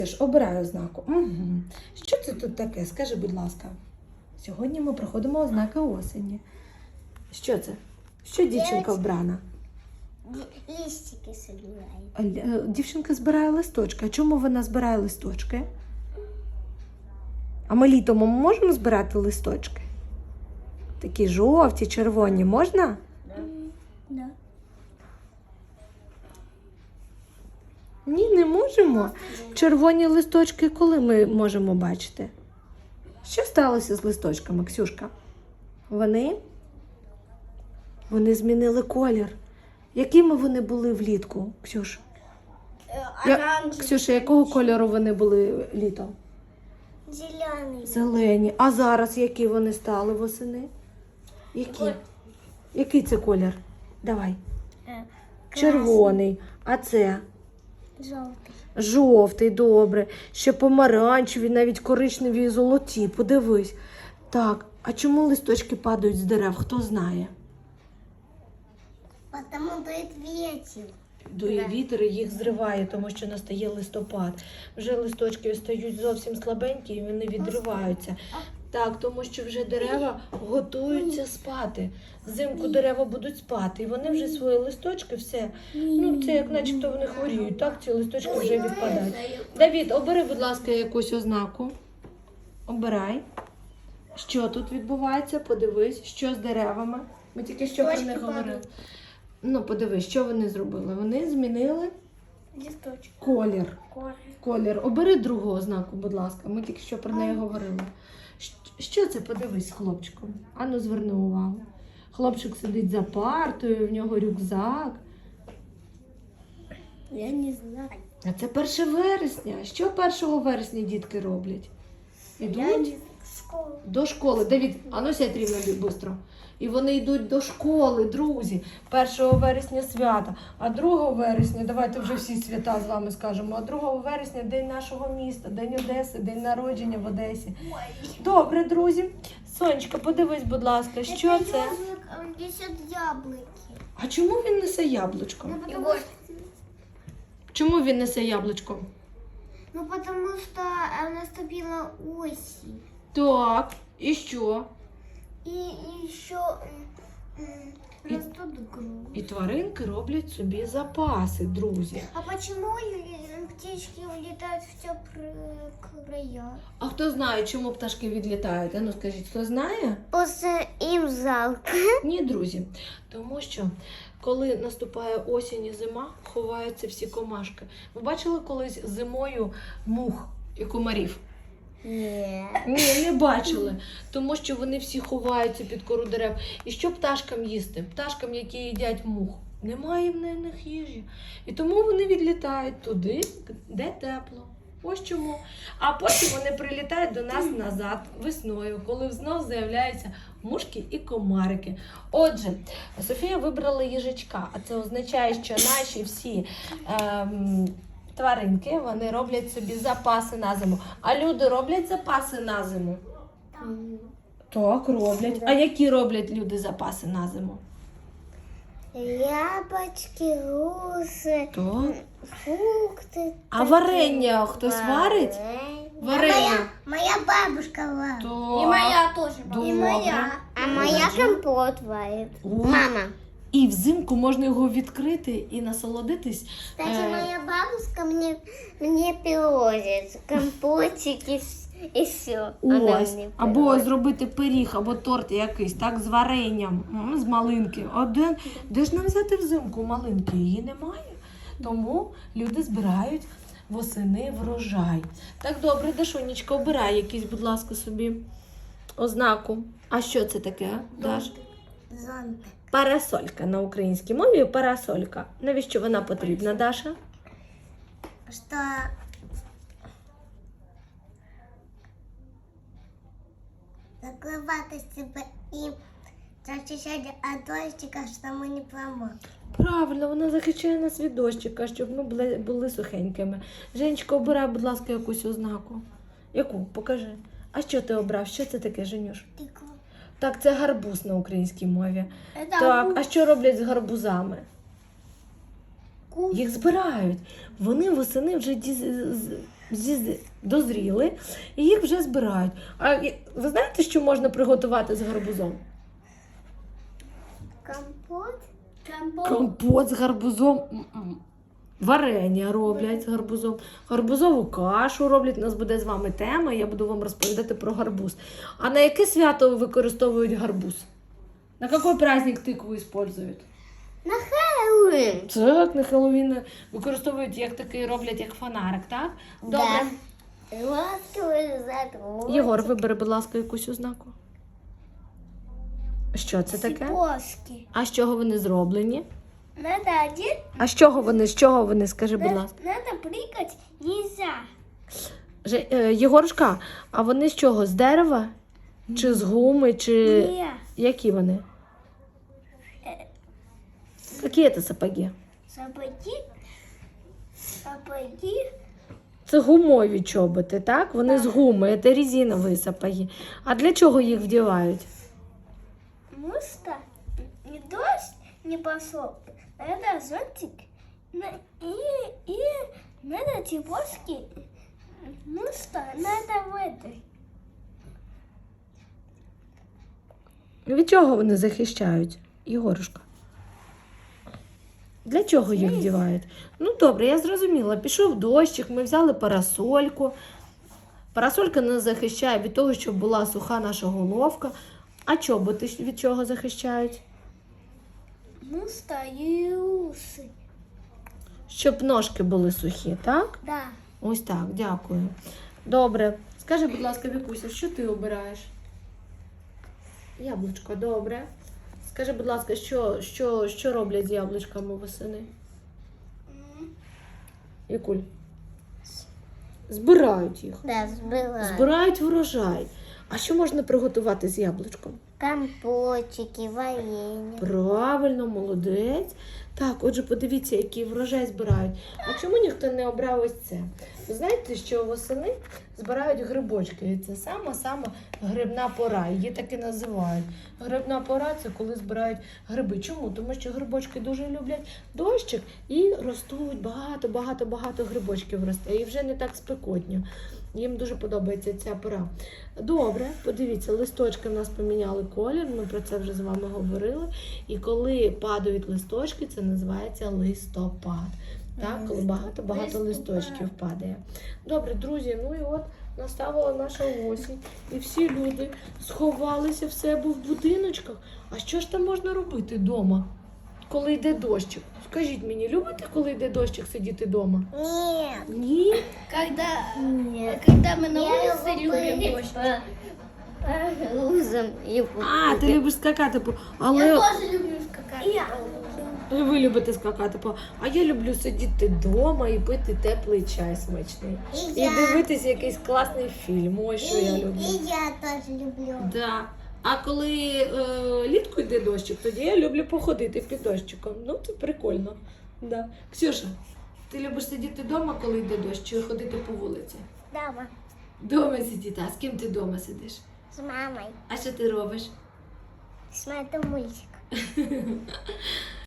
Обираю ознаку. Угу. Що це тут таке? Скажи, будь ласка. Сьогодні ми проходимо ознаки осені. Що це? Що дівчинка вбрана? Листики собираю. Дівчинка збирає листочки. А чому вона збирає листочки? А ми літом можемо збирати листочки? Такі жовті, червоні можна? Да. Ні, не можемо. Червоні листочки коли ми можемо бачити? Що сталося з листочками, Ксюшка? Вони змінили колір. Якими вони були влітку, Ксюш? Ксюша, якого кольору вони були літом? Зеленый. Зелені. А зараз які вони стали восени? Які? Який це колір? Давай. Червоний. А це? Желтый. Жовтий, добре. Ще помаранчеві, навіть коричневі і золоті. Подивись. Так, а чому листочки падають з дерев? Хто знає? Потому дует ветер. Дує вітер і їх зриває, тому що настає листопад. Вже листочки стають зовсім слабенькі і вони відриваються. Так, тому що вже дерева готуються спати. Взимку дерева будуть спати, і вони вже свої листочки, все. Ну, це як начебто вони хворіють, так? Ці листочки вже відпадають. Давід, обери, будь ласка, якусь ознаку. Обирай. Що тут відбувається? Подивись, що з деревами. Ми тільки що про них говорили. Ну, подивись, що вони зробили. Вони змінили Листочек. колір. Колір. Обери другу ознаку, будь ласка. Ми тільки що про неї говорили. Що це? Подивись з хлопчиком. Ану, зверни увагу. Хлопчик сидить за партою, в нього рюкзак. Я не знаю. А це 1 вересня. Що 1 вересня дітки роблять? Ідуть Школа. до школи. Давід, ану сядь рівно швидко. І вони йдуть до школи, друзі. 1 вересня свята, а 2 вересня, давайте вже всі свята з вами скажемо, а 2 вересня день нашого міста, день Одеси, день народження в Одесі. Добре, друзі. Сонечка, подивись, будь ласка, що це? Ежик несет яблоки. А чому він несе яблучко? Егор. Чому він несе яблучко? Ну, потому что наступила осень. Так, і що? И еще растут груши. І тваринки роблять собі запаси, друзі. А почему птички улетают в теплые края? А хто знає, чому пташки відлітають? Ну скажіть, хто знає? Просто им жалко. Ні, друзі. Тому що, коли наступає осінь і зима, ховаються всі комашки. Ви бачили колись зимою мух і комарів? Нет. Ні, не бачили. Тому що вони всі ховаються під кору дерев. І що пташкам їсти? Пташкам, які їдять мух. Немає в них їжі. І тому вони відлітають туди, де тепло. Ось чому. А потім вони прилітають до нас назад весною, коли знов з'являються мушки і комарики. Отже, Софія вибрала їжачка, а це означає, що наші всі тваринки, вони роблять собі запаси на зиму. А люди роблять запаси на зиму? Так, роблять. А які роблять люди запаси на зиму? Яблочки, груши, Так. фрукты. А варення хтось варить? Варення. Моя бабушка варит. Так. И моя тоже Добре. И моя. А моя компот варит. О. Мама. І взимку можна його відкрити і насолодитись. Кстати, моя бабушка мне привозит компотики и все. Ось. Або зробити пиріг, або торт якийсь, так, з варенням, з малинки. Де ж нам взяти взимку малинки? Її немає. Тому люди збирають восени врожай. Так, добре, Дашунечка, обирай якийсь, будь ласка, собі ознаку. А що це таке, Даш? Зонтик. Парасолька на українській мові. Парасолька. Навіщо вона потрібна, Даша? Что закрывать себя и защищать от дождика, что мы не промокли. Правильно, вона захищає нас від дощика, щоб ми були сухенькими. Женечка, обирай, будь ласка, якусь ознаку. Яку? Покажи. А що ти обрав? Що це таке, Женюш? Тыква. Так, це гарбуз на українській мові. Это Так, а що роблять з гарбузами? Їх збирають. Вони восени вже дозріли і їх вже збирають. Ви знаєте, що можна приготувати з гарбузом? Компот. Компот з гарбузом. Варення роблять з гарбузом. Гарбузову кашу роблять. У нас буде з вами тема, я буду вам розповідати про гарбуз. А на яке свято використовують гарбуз? На який праздник тикву використовують? На Хэллоуин. Так, на Хеллоуін використовують як такий, роблять як фонарик, так? Добре. Ласковый затрон. Єгор, вибери, будь ласка, якусь ознаку. Що це таке? Цепочки. А з чого вони зроблені? Надо один. А з чого вони, скажи, будь ласка. Надо прыгать нельзя. Єгорушка, а вони з чого? З дерева? Чи з гуми, чи Не. які вони? Які це сапоги? Сапоги. Сапоги. Це гумові чоботи, так? Вони з гуми, це резинові сапоги. А для чого їх вдівають? Муста. Не дождь не пошел. Надо зонтик. И надо цепочки. Муста. Надо в этой. Від чого вони захищають, Єгорушка? Для чого їх вдівають? Ну добре, я зрозуміла. Пішов дощик, ми взяли парасольку. Парасолька нас захищає від того, щоб була суха наша головка. А чоботи від чого захищають? Муста и усы. Щоб ножки були сухі, так? Да. Ось так, дякую. Добре. Скажи, будь ласка, Вікуся, що ти обираєш? Яблучко, добре. Скажи, будь ласка, що роблять з яблучками восени? Вікуль? Збирають їх. Да, сбыла. Збирають врожай. А що можна приготувати з яблучком? Компотики, варенье. Правильно, молодець. Так, отже, подивіться, який врожай збирають. А чому ніхто не обрав ось це? Ви знаєте, що восени збирають грибочки. І це сама грибна пора. Її так і називають. Грибна пора – це коли збирають гриби. Чому? Тому що грибочки дуже люблять дощик і ростуть багато грибочків росте. І вже не так спекотно. Їм дуже подобається ця пора. Добре, подивіться, листочки в нас поміняли колір, ми про це вже з вами говорили. І коли падають листочки, це називається листопад. Так, коли багато листочків падає. Добре, друзі, ну і от настала наша осінь. І всі люди сховалися в себе в будиночках. А що ж там можна робити вдома, коли йде дощик? Скажіть мені, любите, коли йде дощик, сидіти вдома? Нет. Ні? Когда мы на улице любим дождь. Лузом и А, ти любиш скакати, але тоже люблю скакать. ви любите скакати, а я люблю сидіти вдома і пити теплий чай смачний. І дивитися якийсь класний фільм. Ось що я люблю. И я тоже люблю. Да. А коли літку йде дощик, тоді я люблю походити під дощиком. Ну, це прикольно. Да. Ксюша, ти любиш сидіти вдома, коли йде дощ, чи ходити по вулиці? Дома. Дома сидіти. А з ким ти вдома сидиш? С мамой. А що ти робиш? Смотрю мультик.